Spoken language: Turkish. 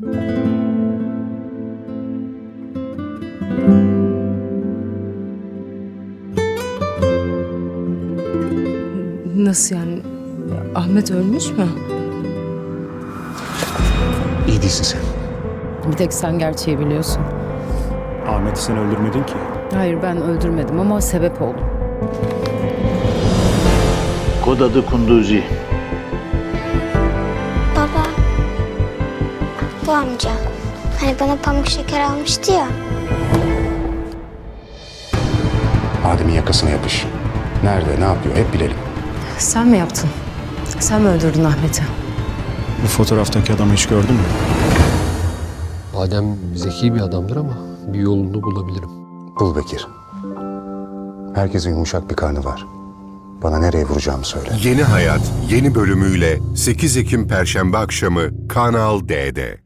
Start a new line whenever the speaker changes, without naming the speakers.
Nasıl yani? Ahmet ölmüş mü?
İyi değilsin sen.
Bir tek sen gerçeği biliyorsun.
Ahmet'i sen öldürmedin ki.
Hayır, ben öldürmedim ama sebep oldum.
Kod adı Kunduzi.
Baba, bu amca. Hani bana pamuk şeker almıştı ya.
Adem'in yakasına yapış. Nerede, ne yapıyor hep bilelim.
Sen mi yaptın? Sen mi öldürdün Ahmet'i?
Bu fotoğraftaki adamı hiç gördün mü?
Adem zeki bir adamdır ama bir yolunu bulabilirim.
Bul Bekir. Herkesin yumuşak bir karnı var. Bana nereye vuracağımı söyle.
Yeni Hayat yeni bölümüyle 8 Ekim Perşembe akşamı Kanal D'de.